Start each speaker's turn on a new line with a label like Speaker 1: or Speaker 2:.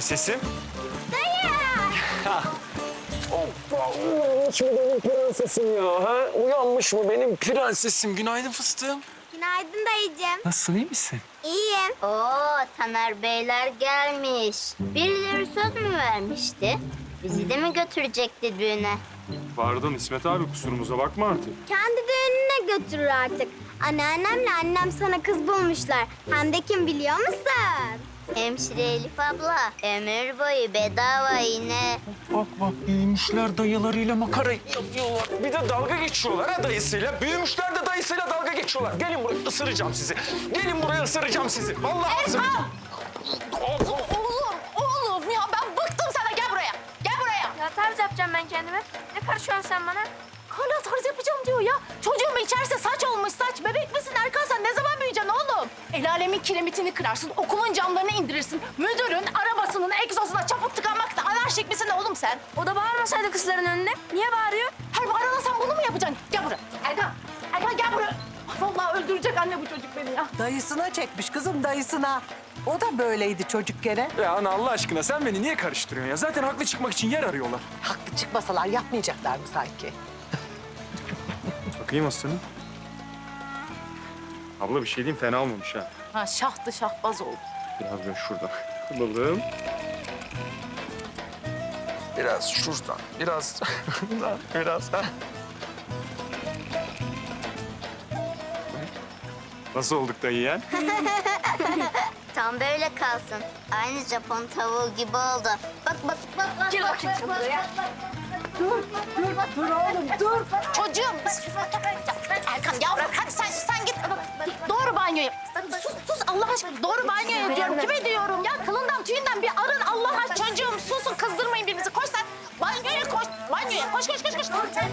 Speaker 1: Prensesim.
Speaker 2: Dayı!
Speaker 1: Hoppa, uyanmış mı benim prensesim ya? Ha? Uyanmış mı benim prensesim? Günaydın fıstığım.
Speaker 2: Günaydın dayıcığım.
Speaker 1: Nasılsın, iyi misin?
Speaker 2: İyiyim.
Speaker 3: Oo, Taner Beyler gelmiş. Birileri söz mü vermişti? Bizi de mi götürecekti düğüne?
Speaker 4: Pardon İsmet abi, kusurumuza bakma artık.
Speaker 2: Kendi düğününe götürür artık. Anneannemle annem sana kız bulmuşlar. Hem de kim biliyor musun?
Speaker 3: Hemşire Elif abla, ömür boyu bedava yine.
Speaker 1: Bak bak, büyümüşler dayılarıyla makara yapıyorlar. Bir de dalga geçiyorlar ha dayısıyla. Büyümüşler de dayısıyla dalga geçiyorlar. Gelin buraya, ısıracağım sizi. Gelin buraya, ısıracağım sizi. Vallahi ısıracağım.
Speaker 5: Oğlum ya ben bıktım sana. Gel buraya. Gel buraya.
Speaker 6: Ya tarz yapacağım ben kendime. Ne karışıyorsun sen bana?
Speaker 5: Hala tarz yapacağım diyor ya. Çocuğum içerse saç olmuş saç. Bebek misin Erkan sen? Ne zaman büyüyeceksin oğlum? El alemin kiremitini kırarsın. Okulun camlarını indirirsin. Müdürün arabasının egzozuna çaput tıkanmakta anarşik misin oğlum sen?
Speaker 6: O da bağırmasaydı kızların önünde. Niye bağırıyor?
Speaker 5: Her bağırana sen bunu mu yapacaksın? Gel buraya. Erkan. Erkan gel buraya. Vallahi öldürecek anne bu çocuk beni ya.
Speaker 7: Dayısına çekmiş kızım, dayısına. O da böyleydi çocukken.
Speaker 1: Ya ana Allah aşkına sen beni niye karıştırıyorsun ya? Zaten haklı çıkmak için yer arıyorlar.
Speaker 7: Haklı çıkmasalar yapmayacaklar mı sanki?
Speaker 4: Bakayım aslanım. Abla bir şey diyeyim, fena olmamış ha.
Speaker 5: Ha şahtı şahbaz oldu.
Speaker 4: Biraz böyle şuradan alalım.
Speaker 1: Biraz şuradan, biraz biraz. Ha.
Speaker 4: Nasıl olduk dayı ya?
Speaker 3: Tam böyle kalsın. Aynı Japon tavuğu gibi oldu. Bak bak bak bak.
Speaker 5: Gel bakayım sen buraya.
Speaker 7: Dur oğlum, dur.
Speaker 5: Çocuğum. Erkan yavrum hadi sen git. Doğru banyoya. Sus Allah aşkına. Doğru banyoya diyorum. Kime diyorum ya? Kılından tüyünden bir arın Allah aşkına. Çocuğum susun kızdırmayın birbirinizi. Koş sen. Banyoya koş. Banyoya koş.